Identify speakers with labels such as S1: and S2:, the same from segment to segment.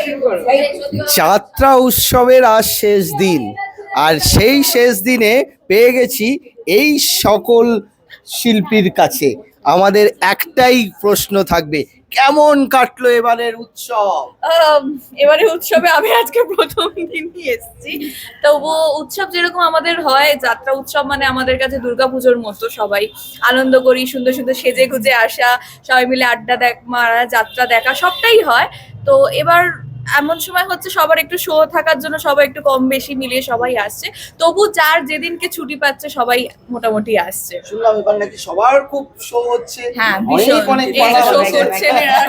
S1: যাত্রা উৎসবের আজ শেষ দিন, আর সেই শেষ দিনে পেয়ে গেছি এই সকল শিল্পীর কাছে। আমাদের একটাই প্রশ্ন থাকবে, কেমন কাটলো এবারের উৎসব?
S2: এবারে উৎসবে আমি আজকে প্রথম দিনই এসেছি। তবুও উৎসব যেরকম আমাদের হয়, যাত্রা উৎসব মানে আমাদের কাছে দুর্গাপুজোর মতো। সবাই আনন্দ করি, সুন্দর সুন্দর সেজে গুজে আসা, সবাই মিলে আড্ডা মারা, যাত্রা দেখা, সবটাই হয়। তো এবার এমন সময় হচ্ছে সবার একটু শো থাকার জন্য সবাই একটু কম বেশি মিলিয়ে সবাই আসছে। তবু যার যেদিনকে ছুটি পাচ্ছে সবাই মোটামুটি আসছে।
S1: শুনলাম এবার নাকি সবার খুব শো হচ্ছে।
S2: হ্যাঁ,
S1: অনেক অনেক
S2: এই
S1: পালা
S2: শো
S1: হচ্ছে।
S2: করছেন এরা।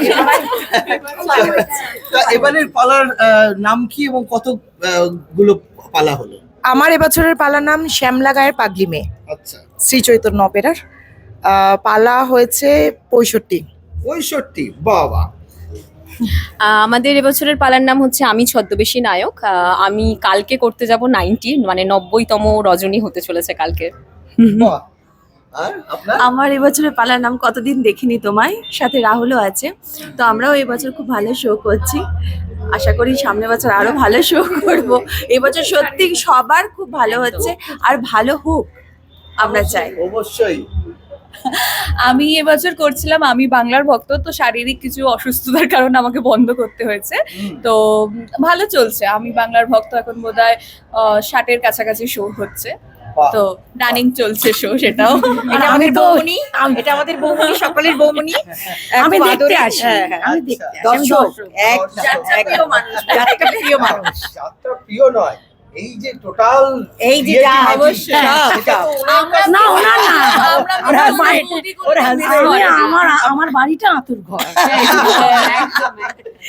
S1: তা এবারের পালার নাম কি এবং কত গুলো পালা হলো?
S3: আমার এবছরের পালার নাম শ্যামলা গায়ের পাগলি মেয়ে,
S1: আচ্ছা,
S3: শ্রী চৈতন্য অপেরার। পালা হয়েছে 65।
S1: 65, বাবা।
S4: আমাদের এবছরের পালার নাম হচ্ছে আমি ছদ্মবেশী নায়ক। আমি কালকে করতে যাব 90, মানে 90তম রজনী হতে চলেছে কালকে।
S1: বাহ। আর আপনার?
S5: আমার এবছরের পালার নাম কতদিন দেখিনি তোমায়, সাথে রাহুলও আছে। তো আমরাও এবছর খুব ভালো শো করছি, আশা করি সামনের বছর আরো ভালো শো করব। এবছর সত্যি সবার খুব ভালো হচ্ছে, আর ভালো হোক আমরা চাই।
S1: অবশ্যই।
S2: আমি এবছর করছিলাম আমি বাংলার ভক্ত, তো শারীরিক কিছু অসুস্থতার কারণে আমাকে বন্ধ করতে হয়েছে। তো ভালো চলছে আমি বাংলার ভক্ত, এখন বোধহয় 60-এর কাছাকাছি শো হচ্ছে।
S1: বাহ।
S2: তো রানিং চলছে শো, সেটাও।
S3: এটা আমাদের বৌমনি, এটা আমাদের বৌমনি, সকলের বৌমনি। আমি দেখতে আসি, আমি দেখতে আসি, আমি দর্শক।
S2: যাত্রা প্রিয় মানুষ।
S3: যাত্রা প্রিয় মানুষ।
S1: যাত্রা প্রিয় নয়, এই যে টোটাল
S3: এই যে যা অবশ্যই না, ওনার না, ওনার মায়ের, আমার বাড়িটা আতুর ঘর।